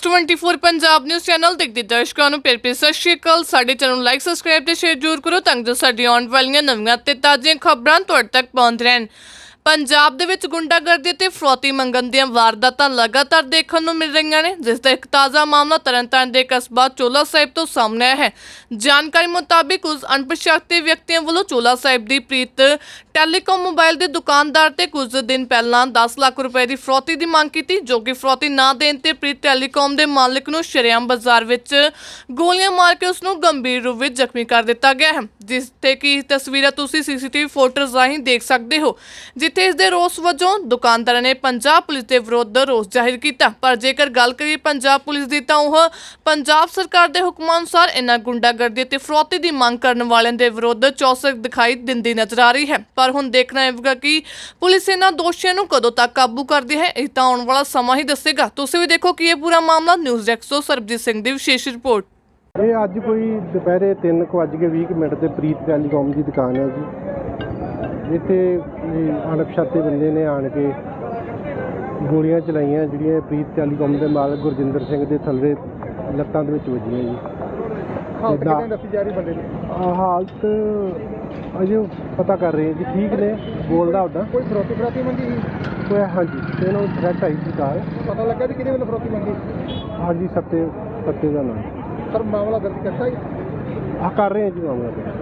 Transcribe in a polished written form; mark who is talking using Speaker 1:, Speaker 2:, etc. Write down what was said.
Speaker 1: X24 Punjab news channel ਦੇਖਦੇ ਦਰਸ਼ਕਾਂ ਨੂੰ ਪਿਆਰ ਭਰੀ ਸਤਿ ਸ਼੍ਰੀ ਅਕਾਲ। ਸਾਡੇ ਚੈਨਲ ਨੂੰ ਲਾਈਕ ਸਬਸਕ੍ਰਾਈਬ ਤੇ ਸ਼ੇਅਰ ਜ਼ਰੂਰ ਕਰੋ ਤਾਂ ਜੋ ਸਾਡੀ ਆਉਣ ਵਾਲੀਆਂ ਨਵੀਆਂ ਤੇ ਤਾਜ਼ੀਆਂ ਖਬਰਾਂ ਤੁਹਾਡੇ ਤੱਕ ਪਹੁੰਚ ਰਹਿਣ। ਪੰਜਾਬ ਦੇ ਵਿੱਚ ਗੁੰਡਾਗਰਦੀ ਤੇ ਫਰੌਤੀ ਮੰਗਣ ਦੀਆਂ ਵਾਰਦਾਤਾਂ ਲਗਾਤਾਰ ਦੇਖਣ ਨੂੰ ਮਿਲ ਰਹੀਆਂ ਨੇ, ਜਿਸ ਦਾ ਇੱਕ ਤਾਜ਼ਾ ਮਾਮਲਾ ਤਰਨਤਾਰਨ ਦੇ ਕਸਬਾ ਚੋਲਾ ਸਾਹਿਬ ਤੋਂ ਸਾਹਮਣੇ ਆਇਆ ਹੈ। ਜਾਣਕਾਰੀ ਮੁਤਾਬਿਕ ਕੁਝ ਅਣਪਛਾਤੇ ਵਿਅਕਤੀਆਂ ਵੱਲੋਂ ਚੋਲਾ ਸਾਹਿਬ ਦੀ ਪ੍ਰੀਤ ਟੈਲੀਕਾਮ ਮੋਬਾਈਲ ਦੇ ਦੁਕਾਨਦਾਰ ਤੇ ਕੁਝ ਦਿਨ ਪਹਿਲਾਂ 10 ਲੱਖ ਰੁਪਏ ਦੀ ਫਰੌਤੀ ਦੀ ਮੰਗ ਕੀਤੀ, ਜੋ ਕਿ ਫਰੌਤੀ ਨਾ ਦੇਣ ਤੇ ਪ੍ਰੀਤ ਟੈਲੀਕਾਮ ਦੇ ਮਾਲਕ ਨੂੰ ਸ਼ਰੇਆਮ ਬਾਜ਼ਾਰ ਵਿੱਚ ਗੋਲੀਆਂ ਮਾਰ ਕੇ ਉਸ ਨੂੰ ਗੰਭੀਰ ਰੂਪ ਵਿੱਚ ਜ਼ਖਮੀ ਕਰ ਦਿੱਤਾ ਗਿਆ ਹੈ, ਜਿਸ ਤੇ ਕਿ ਤਸਵੀਰਾਂ ਤੁਸੀਂ ਸੀਸੀਟੀਵੀ ਫੁਟੇਜ ਰਾਹੀਂ ਦੇਖ ਸਕਦੇ ਹੋ। ਜਿੱਥੇ ਇਸ ਦੇ ਰੋਸ ਵਜੋਂ ਦੁਕਾਨਦਾਰਾਂ ਨੇ ਪੰਜਾਬ ਪੁਲਿਸ ਦੇ ਵਿਰੁੱਧ ਰੋਸ ਜ਼ਾਹਿਰ ਕੀਤਾ। ਪਰ ਜੇਕਰ ਗੱਲ ਕਰੀਏ ਪੰਜਾਬ ਪੁਲਿਸ ਦੀ ਤਾਂ ਉਹ ਪੰਜਾਬ ਸਰਕਾਰ ਦੇ ਹੁਕਮਾਂ ਅਨੁਸਾਰ ਇਹਨਾਂ ਗੁੰਡਾਗਰਦੀ ਤੇ ਫਰੌਤੀ ਦੀ ਮੰਗ ਕਰਨ ਵਾਲਿਆਂ ਦੇ ਵਿਰੁੱਧ ਚੌਕਸ ਦਿਖਾਈ ਦਿੰਦੀ ਨਜ਼ਰ ਆ ਰਹੀ ਹੈ। ਪਰ ਹੁਣ ਦੇਖਣਾ ਹੋਵੇਗਾ ਕਿ ਪੁਲਿਸ ਇਹਨਾਂ ਦੋਸ਼ੀਆਂ ਨੂੰ ਕਦੋਂ ਤੱਕ ਕਾਬੂ ਕਰਦੀ ਹੈ, ਇਹ ਤਾਂ ਆਉਣ ਵਾਲਾ ਸਮਾਂ ਹੀ ਦੱਸੇਗਾ। ਤੁਸੀਂ ਵੀ ਦੇਖੋ ਕਿ ਇਹ ਪੂਰਾ ਮਾਮਲਾ ਨਿਊਜ਼ ਡੈਸਕ ਤੋਂ ਸਰਬਜੀਤ ਸਿੰਘ ਦੀ ਵਿਸ਼ੇਸ਼ ਰਿਪੋਰਟ।
Speaker 2: ਇਹ ਅੱਜ ਕੋਈ ਦੁਪਹਿਰੇ 3:20 ਤੇ ਪ੍ਰੀਤ ਟੈਲੀਕਾਮ ਦੀ ਦੁਕਾਨ ਹੈ ਜੀ। ਇੱਥੇ ਅਣਪਛਾਤੇ ਬੰਦੇ ਨੇ ਆਣ ਕੇ ਗੋਲੀਆਂ ਚਲਾਈਆਂ, ਜਿਹੜੀਆਂ ਪ੍ਰੀਤ ਟੈਲੀਕਾਮ ਦੇ ਮਾਲਕ ਗੁਰਜਿੰਦਰ ਸਿੰਘ ਦੇ ਥੱਲੇ ਲੱਤਾਂ ਦੇ ਵਿੱਚ ਵੱਜੀਆਂ ਜੀ। ਹਾਲਤ ਅਜੇ ਪਤਾ ਕਰ ਰਹੇ ਜੀ, ਠੀਕ ਨੇ, ਬੋਲਦਾ ਉੱਦਾਂ।
Speaker 3: ਕੋਈ ਫਰੋਤੀ ਮੰਗੀ
Speaker 2: ਕੋਈ ਹਾਂਜੀ, ਤੇ ਇਹਨਾਂ ਨੂੰ ਥ੍ਰੈਟ ਆਈ ਸੀ ਕਾਰ।
Speaker 3: ਪਤਾ ਲੱਗਾ ਵੀ ਕਿਹਦੇ ਵੱਲੋਂ ਫਰੋਤੀ ਮੰਗੀ?
Speaker 2: ਹਾਂਜੀ, ਸੱਤੇ ਦਾ ਨਾਮ
Speaker 3: ਸਰ ਮਾਮਲਾ ਦਰਜ ਕਰਤਾ ਜੀ?
Speaker 2: ਕਰ ਰਹੇ ਹਾਂ ਜੀ ਮਾਮਲਾ।